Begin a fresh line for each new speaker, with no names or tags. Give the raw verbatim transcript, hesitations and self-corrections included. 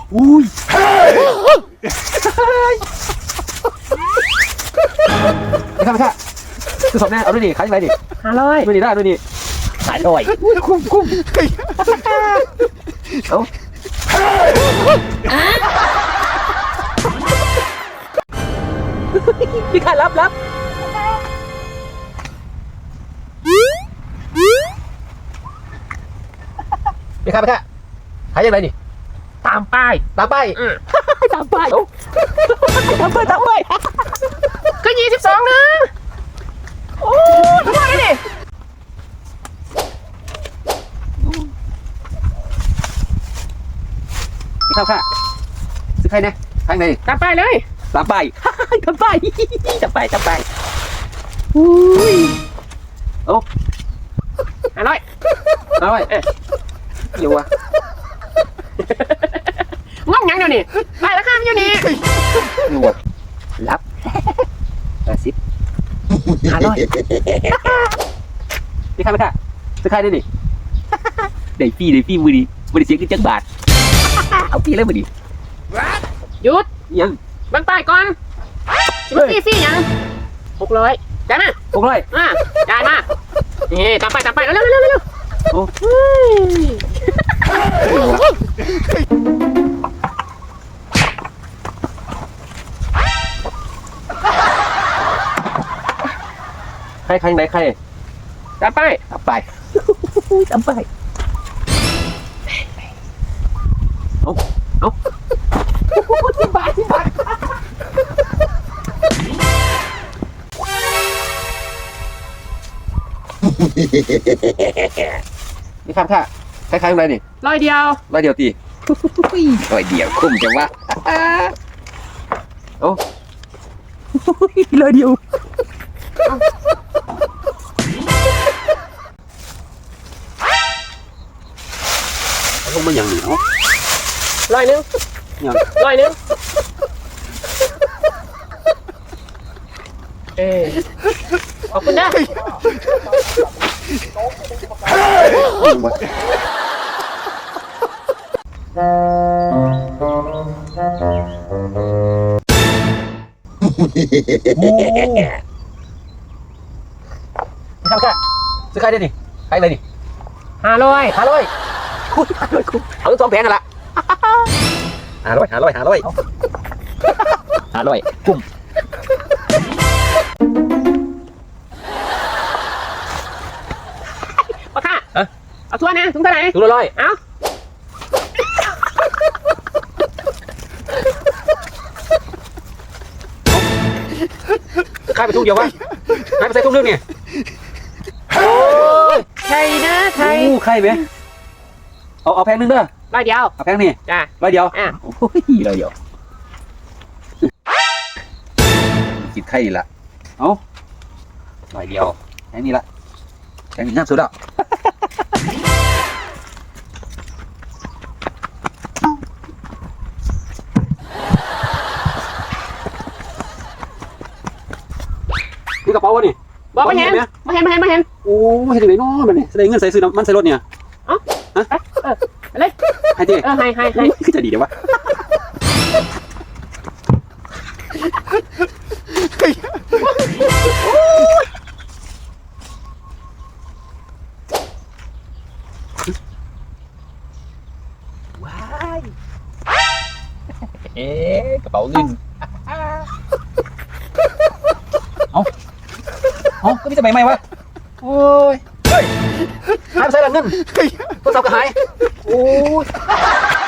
อุ้ยไม่ค่ะไม่ค่ะคือสอบแน่เอาด้วยดิขายยังไงดิห้าร้อยด้วยดิได้ด้วยดิขายร้อยคุ้มคุ้มเอาพี่ค่ะรับรับพี่ค่ะพี่ค่ะขายยังไงดิตามป้ายตามป้ายตามป้ายตามป้ายตามป้ายก็ยี่สิบสองนะโอ้ทำไมดิพี่เข้าค่ะซื้อใครเนี่ยข้างในตามป้ายเลยตามป้ายตามป้ายตามป้ายตามป้ายอุ้ยโอ้อร่อยอร่อยเอ๊ะอยู่วะงงยังเดี๋ยวนี้ไปแล้วข้ามอยู่นี่หนวดรับกระซิบหาร้อยนี่ค่ะไม่ค่ะซื้อใครได้ดิได้ฟรีได้ฟรีมือดีมือดีเสียขึ้นจักบาทเอาฟรีเลยมือดีหยุดยังบังป้ายก่อนฟรีฟรียังหกร้อยจ่ายมาหกร้อยอ่ะจ่ายมานี่ตามไปตามไปเร็วเร็วเร็วเร็วโอ้ใครใครไหนใครตามไปตามไปตามไปเอาเอาสิบบาทสิบบาทนี่ครับค่ะคล้ายๆอะไรนี่ร้อยเดียวร้อยเดียวตีร้อยเดียวคุ้มจังวะโอ้ร้อยเดียวลงมาอย่างหนึ่งร้อยหนึ่งร้อยหนึ่งเออขอบคุณนะทำค่ะซื้อใครได้ดิใครเลยดิห้าร้อยห้าร้อยคุยห้าร้อยคุยเอาสองแผงกันละห้าร้อยห้าร้อยห้าร้อยห้าร้อยคุ้มปะค่ะเอาทั่วนะถุงเท่าไหร่ถุงละร้อยเอาขายไปถุงเดียววะขายไปใส่ถุงนึงเนี่ยโอ้ยไข่นะไข่ไข่ไหมเอาเอาแพงนึงเด้อร้อยเดียวเอาแพงนี่จ้าร้อยเดียวอ่ะโอ้ยร้อยเดียวกินไข่ละเอาร้อยเดียวแพงนี่ละแพงนี่น่าสุดแล้วนี่กระเป๋าวะนี่บอกไม่เห็นไม่เห็นไม่เห็นไม่เห็นโอ้ไม่เห็นถึงไหนน้อมันนี่แสดงเงินใส่ซื้อมันใส่รถเนี่ยอ๋อฮะเอออะไรให้ดิเออให้ให้ให้คือจะดีเดี๋ยววะว้ายเอ๊ะกระเป๋าเงินเอาเอาก็มีสมัยใหม่วะโอ้ยเฮ้ยหายไปใส่หลังเงินโทรศัพท์ก็หายโอ้ย